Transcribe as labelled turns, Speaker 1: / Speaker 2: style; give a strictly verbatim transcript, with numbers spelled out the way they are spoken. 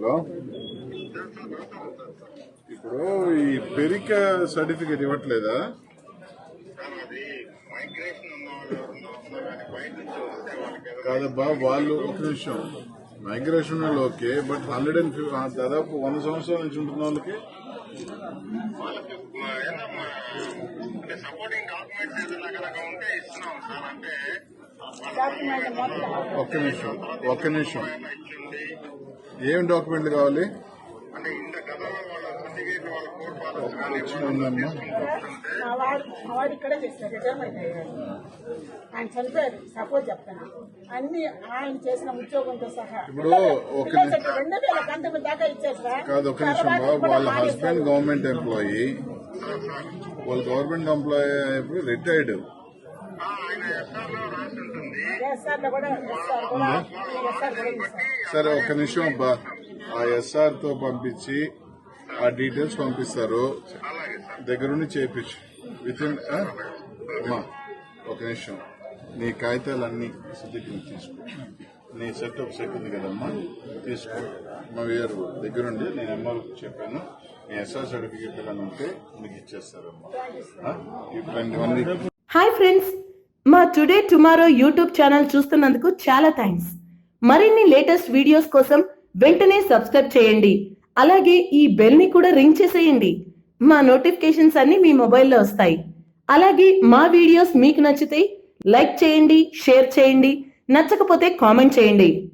Speaker 1: Hello, ఇప్పుడు ఈ Perika certificate ఇవ్వట్లేదా? కాదబ్బా, వాళ్ళు ఒక నిమిషం మైగ్రేషన్ వాళ్ళు ఓకే, బట్ హండ్రెడ్ అండ్ దాదాపు వంద సంవత్సరాల నుంచి ఉంటున్న వాళ్ళకి ఒక్క నిమిషం ఒక్క నిమిషం ఏం డాక్యుమెంట్లు కావాలి? ఉందమ్మా,
Speaker 2: వాడు ఇక్కడే చేస్తారు, రిటైర్మెంట్ అయ్యారు. ఆయన చనిపోయారు. సపోజ్ చెప్తాను, అన్ని ఆయన చేసిన ఉద్యోగంతో సహా
Speaker 1: ఇప్పుడు ఒక
Speaker 2: రెండు వేల పంతొమ్మిది దాకా ఇచ్చారు సార్.
Speaker 1: కాదు ఒక నిమిషం బాబు, వాళ్ళ హస్బెండ్ గవర్నమెంట్ ఎంప్లాయీ, వాళ్ళు గవర్నమెంట్ ఎంప్లాయీ అయిపోయి రిటైర్డ్. సరే ఒక్క నిమిషం అబ్బా, ఆ ఎస్ఆర్ తో పంపించి ఆ డీటెయిల్స్ పంపిస్తారు, దగ్గరుండి చేయించు విత్ ఇన్. అమ్మా ఒక నిమిషం, నీ కాగితాలన్నీ సిద్ధికి తీసుకో, నీ సెట్ ఒక సెట్ ఉంది కదమ్మా, తీసుకో. మా వేరు దగ్గరుండి నేను అమ్మకి చెప్పాను, నీ ఎస్ఆర్ సర్టిఫికేట్ కానీ ఉంటే నీకు ఇచ్చేస్తారమ్మా. ఇవన్నీ.
Speaker 3: హాయ్ ఫ్రెండ్స్, మా టుడే టుమారో యూట్యూబ్ ఛానల్ చూస్తున్నందుకు చాలా థ్యాంక్స్. మరిన్ని లేటెస్ట్ వీడియోస్ కోసం వెంటనే సబ్స్క్రైబ్ చేయండి. అలాగే ఈ బెల్ ని కూడా రింగ్ చేసేయండి. మా నోటిఫికేషన్స్ అన్ని మీ మొబైల్లో వస్తాయి. అలాగే మా వీడియోస్ మీకు నచ్చితే లైక్ చేయండి, షేర్ చేయండి, నచ్చకపోతే కామెంట్ చేయండి.